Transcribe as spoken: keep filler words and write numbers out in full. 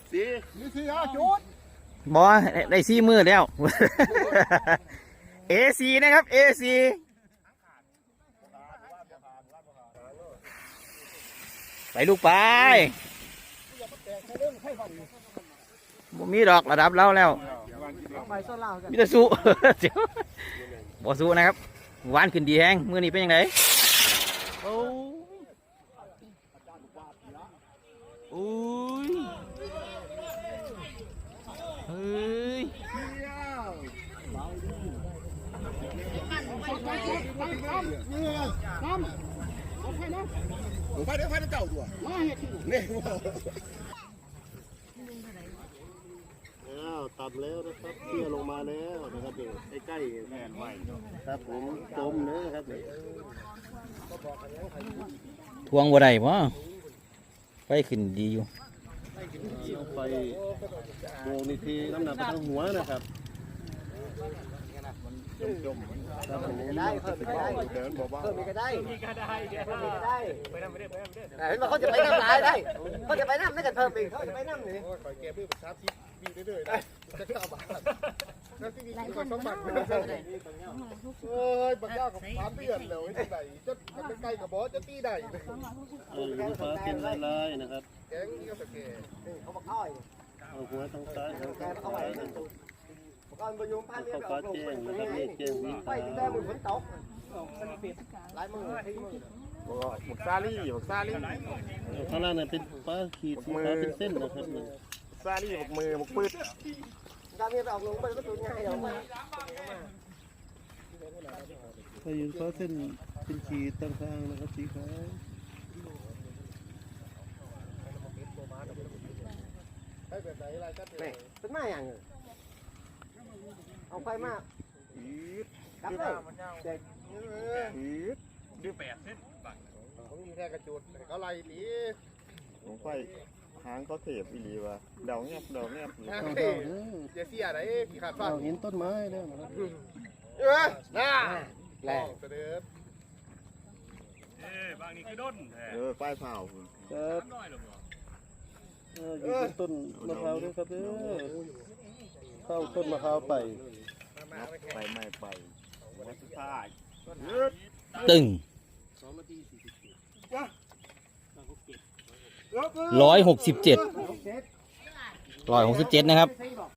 สี่มีสี่อ่ะจุดบอได้ซีมือแล้วเอซีนะครับเอซีไปลูกไปบ่มีดอกระดับเราแล้วมีแต่สู้เดี๋ยวบ่สู้นะครับหวานขึ้นดีแฮงมือนี้เป็นยังไงโอ้โอ้ยเฮ้ยผมไปเดี๋ยวไปเจ้าตัวเนี่ยอ้าวตัดแล้วนะครับเตี้ยลงมาแล้วนะครับเดี๋ยวใกล้ๆแม่นไว้ครับผมจมเนื้อครับทวงบ่ได้บ่ไปขึ้นดีอยู่ไปโบนี่ทีน้ำหนักไปทั้งหัวนะครับจมๆครับผมได้เพิ่มได้เดินบอกว่าเพิ่มมีก็ได้มีก็ได้เพิ่มมีก็ได้ไปน้ำไปเรื่อยไปน้ำเรื่อยเห็นว่าเขาจะไปน้ำลายได้เขาจะไปน้ำไม่กันเพิ่มอีกเขาจะไปน้ำนี่คอยแก้เพื่อชาร์จบีเรื่อยๆได้จะเก้าบาทแล้วที่มีคนสองบาทเอ้ยบางอย่างกับสามเดือนแล้วที่ไหนจะจะใกล้กับบอสจะตีได้เออลูกค้ากินลายๆนะครับแกงนี่ก็สแกนเขาบอกอ้อยเอาหัวทางซ้ายทางซ้ายก่อนบรรยุพันธุ์เขาแจ้งนะครับนี่แจ้งวิไปแต่มือฝนตกลายมือที่มือหมึกซาลี่หมึกซาลี่ข้างล่างเนี่ยเป็นฟ้าขีดสีฟ้าเป็นเส้นนะครับซาลี่หมึกมือหมึกปืดการนี้ไปออกลงไปก็ตัวง่ายเดี๋ยวมาถ้ายืนฟ้าเส้นเป็นขีดต่างๆนะครับสีขาวเป็นมาอย่างเอาไฟมากอีดกับเลยเด็กอีดดื้อแปดเส้นบังเขามีแค่กระจุดเขาไล่ดีลงไฟหางเขาเสียบอีหลีวะเดาเงียบเดาเงียบเดาเจซี่อะไรพี่ขาดฟันเห็นต้นไม้แล้วนะครับเออน่าแหลกเสด็จเออบางนี่คือด้นเออไฟเผาครับเอออยู่ต้นมะพร้าวด้วยครับเด้อเข้าต้นมะพร้าวไปไปไม่ไปวัดสุดท้ายตึงร้อยหกสิบเจ็ดร้อยหกสิบเจ็ดนะครับ